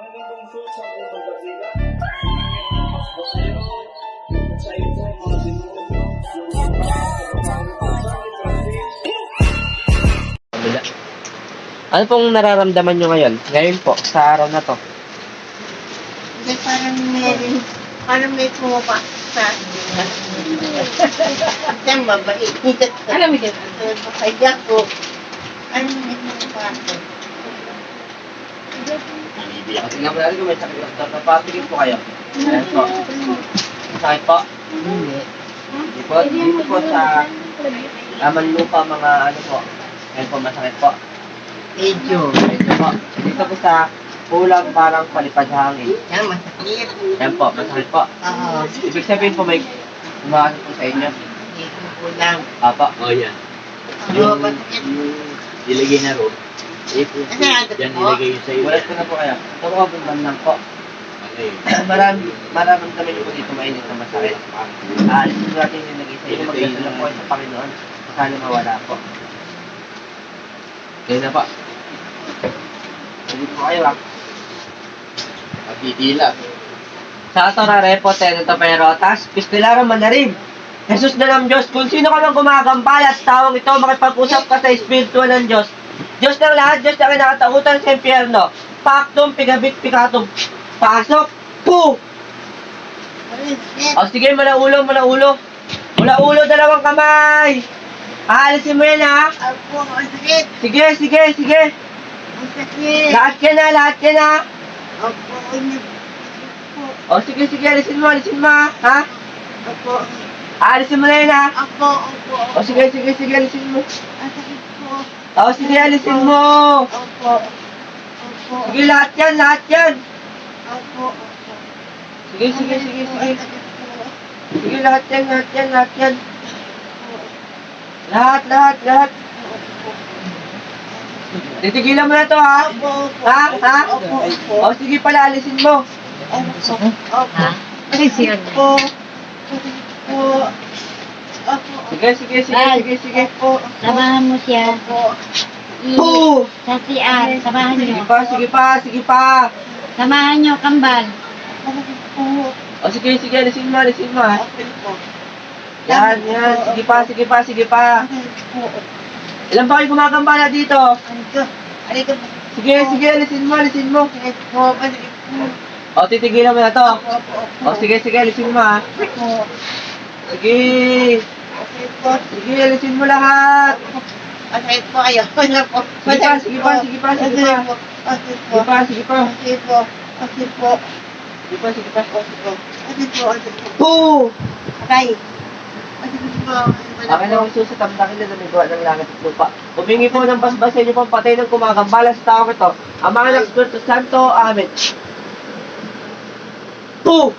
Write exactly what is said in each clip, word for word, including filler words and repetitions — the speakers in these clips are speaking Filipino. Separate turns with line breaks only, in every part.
magandang show sa unang basila. Mas basero, sa ito ay mga demonyo,
Kabila. Ano pong nararamdaman nyo ngayon? Ngayon po, sa araw na to.
Hindi, parang meron, parang may pumapa sa Diyan, mabait. Alam mo dyan? Kaya ko, ano may pumapa ako.
Kasi nga pala rin kung may sakit lang. Napatigil po kayo. Ayan po. Sakit po? Hindi. Hindi po. Dito po sa laman lupa mga ano po. Ayan po, masakit po.
Medyo.
Medyo po. Dito po sa kulang parang palipad hangin.
Yan, masakit.
Ayan po, masakit po.
Oo.
Ibig sabihin po may umakas po sa inyo.
Hindi ko kulang.
Apa.
Oh, yan.
Oo, masakit.
Yung ilagay na ro. Eh,
Kasi agad
yan
po.
ilagay yun sa iyo.
Walat ko na po kayo. Ito po kabundan lang po.
Okay.
Marami, maraming kami po dito mainit na masakit. Aalisin natin yung naging sa inyo. Magdasal lang po kayo sa Panginoon. Sana mawala po. Kaya na po. Hindi po kayo ah.
Pagtitila.
Sa Torare po, Tenento Perotas, Pistilaran Manarim. Jesus na ng Diyos, kung sino ka mang gumagambala at tawang ito, makipag-usap ka sa Espiritu ng Diyos. Diyos ng lahat, Diyos na kinakatakutan sa impyerno. Paktum, pigabit, pikatum. Pasok! Po! O sige, mula ulo, mula ulo. Mula ulo, dalawang kamay. Aalisin mo yan ha.
Ako, masakit.
Sige, sige, sige.
Masakit.
Lahat yan ha, lahat yan ha.
Ako, ano.
O sige, sige, alisin mo, alisin mo ha. Ha?
Ako,
Aalisin mo na yan ha.
ako, ako.
O sige, sige, sige, alisin mo.
Masakit po.
O sige, alisin mo.
Ako, ako.
Sige, lahat yan, lahat yan.
Ako, ako.
Sige, sige, sige, sige. Sige, lahat yan, lahat yan, lahat yan. Lahat, lahat, lahat. Titigilan mo na to, ha? Ha? Ha? O sige pala, alisin mo.
Ako,
Sige, sige, sige, sige, sige.
Samahan mo siya. I,
Po!
sa C R. Samahan
Sige
niyo.
pa, sige pa, sige pa.
Samahan niyo, kambal.
O sige, sige, alisin mo, alisin mo, ha? Yan, yan. Sige pa, sige pa, sige pa. Ilan ba kayo gumagambala dito? Sige, sige, alisin mo, alisin mo. O, titigilan mo na to. O, sige, sige, alisin mo, ha? Sige. Sige, alisin mo lahat.
Masakit po kayo. Wala po.
Sige pa, sige pa, sige pa, sige pa.
Masakit po.
Sige pa, sige pa.
Masakit po. Masakit po.
Sige pa, sige pa.
Masakit po. Masakit po.
Po!
Aray. Masakit po.
Akin na ang susa, tamdakin na namigawa ng langit at lupa. Humingi po ng basbas sa inyo pong patay ng kumagambala sa tao ito. Ang mga ng Espiritu Santo, Amen. Po!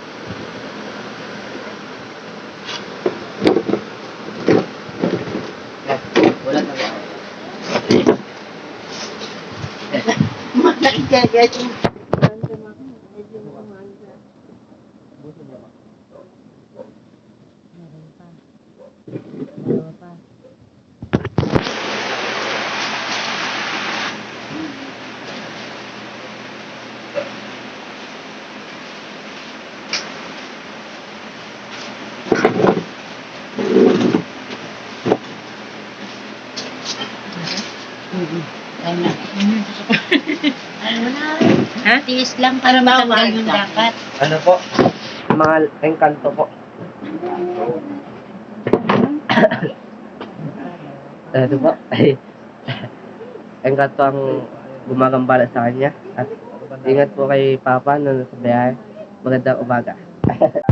Yan, wala na ba?
Masakit ka guys.
Dalawa pa. Ano na? Ano na? Ha? Tiis lang para matanggal yung dapat.
Ano po? Mga engkanto po. Ano po? Ay, engkanto ang gumagambala sa kanya. At ingat po kay Papa na nasa biyahe. Magandang umaga.